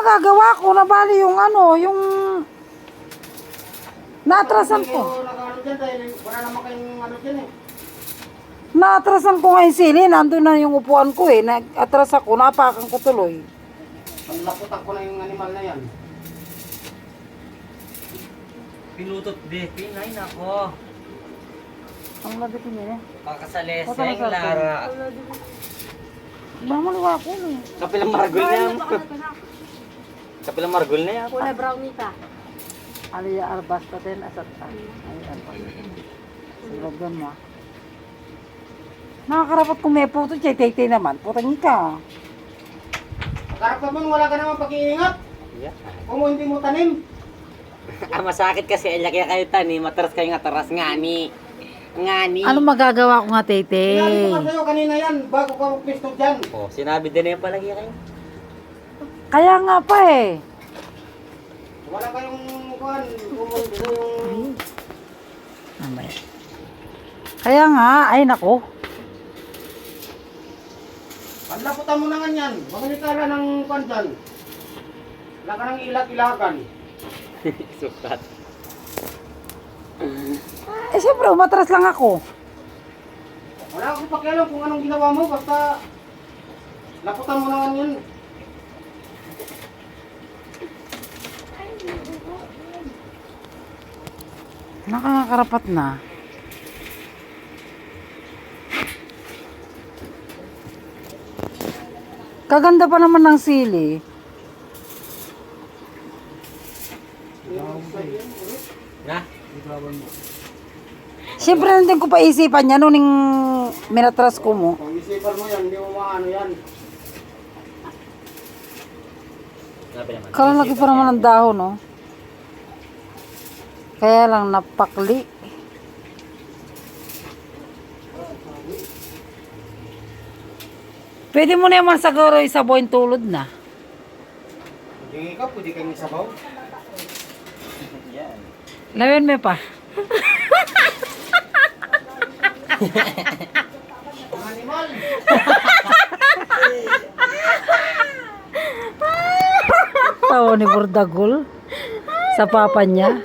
Nagagawa ko na bali yung ano, yung naatrasan ko. Wala naman kayong ano dyan eh. Naatrasan ko nga yung sili, nandun na yung upuan ko eh. Nag-atras ako, napakan ko tuloy. Panlaputan ko na yung animal na yan. Pinutot de, pinay nako. Ang labi ko niya eh. Pakasaleseng Lara. Mamaliwa ko eh. Kapilang margol na yan. Kapilang margol na yan. Kulay brownie pa. Aliya arbasta din asat ta. Ayan pa. Silagan mo. Nakakarapat kung may puto, tay naman. Putang ka. Karap naman, wala ka naman pag-iingat. Yeah. Kung hindi mo tanim. Masakit kasi ay laki kayo tani, matras kayo nga taras ngani. Ngani. Ano magagawa ko nga, Sinabi Tete? ko sa'yo kanina yan, bago ka magpisto dyan. Oh, sinabi din na yung palagi kayo. Kaya nga pa eh. Wala kayong kuhan, dito yung... Mamaya. Kaya nga, ay nako. Panlaputan mo na nga yan. Magalikala ng kuhan dyan. Wala ka ng ilag-ilagan. Sukat. Eh siyempre, umatras lang ako. Wala akong pakialam kung anong ginawa mo, basta laputan mo na nga yan. Nakakarapat na. Kaganda pa naman ng sili. Na? Siyempre, nandun ko pa isipan niya nung minatras ko mo. Kung isipan mo yan, hindi mo maano yan. Sabi naman. Kalalaki pa naman ng dahon, no? Kaya lang napakli. Pwede mo na naman siguro isabaw yung tulod na. Hindi ka, pwede kayong isabaw. Yan. Lawin mo pa. Animal! Tawa ni Burdagol sa papa niya.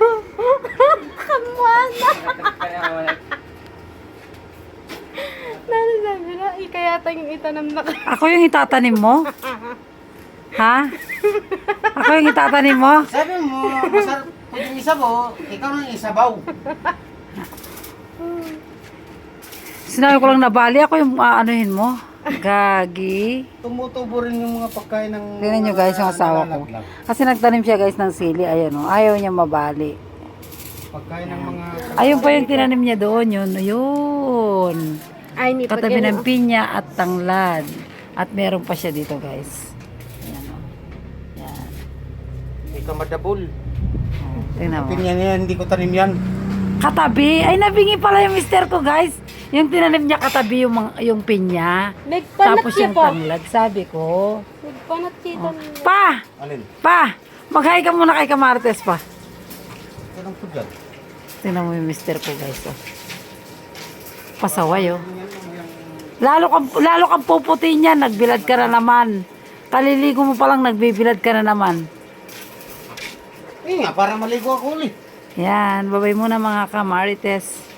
Nanasabi na, ikayata yung itanam na ka. Ako yung itatanim mo? Ha? Ako yung itatanim mo? Sabi mo, masarap pwedeng isabaw, ikaw nang isabaw. Sinabi ko lang na bali, ako yung aanuhin mo. Gagi. Tumutubo rin yung mga pagkain ng... Tingnan nyo guys yung asawa ko. Kasi nagtanim siya guys ng sili. Ayan o. Ayaw niya mabali. Pagkain ng mga... Ayun pa yung tinanim niya doon. Yun. Yun. Ay, ni Katabi ng pinya at tanglad. At meron pa siya dito guys. Ayan o. Yan. Ikaw madabol. O, tingnan mo. Pinyan yan, hindi ko tanim yan. Katabi. Ay, nabingi pala yung mister ko guys. Yung tinanim niya katabi yung pinya. Nagpanat Tapos siya yung pa. tanglad. Sabi ko. Nagpanat siya pa. Pa! Alin? Pa! Mag-hi ka muna kay Kamartes pa. Anong po dyan? Tingnan mo yung mister ko guys. Oh. Pasaway oh. Lalo kang puputi niyan. Nagbilad ka na naman. Kaliligo mo palang nagbibilad ka na naman. Eh nga, para maligo ako ulit. Yan. Babay muna mga Kamarites.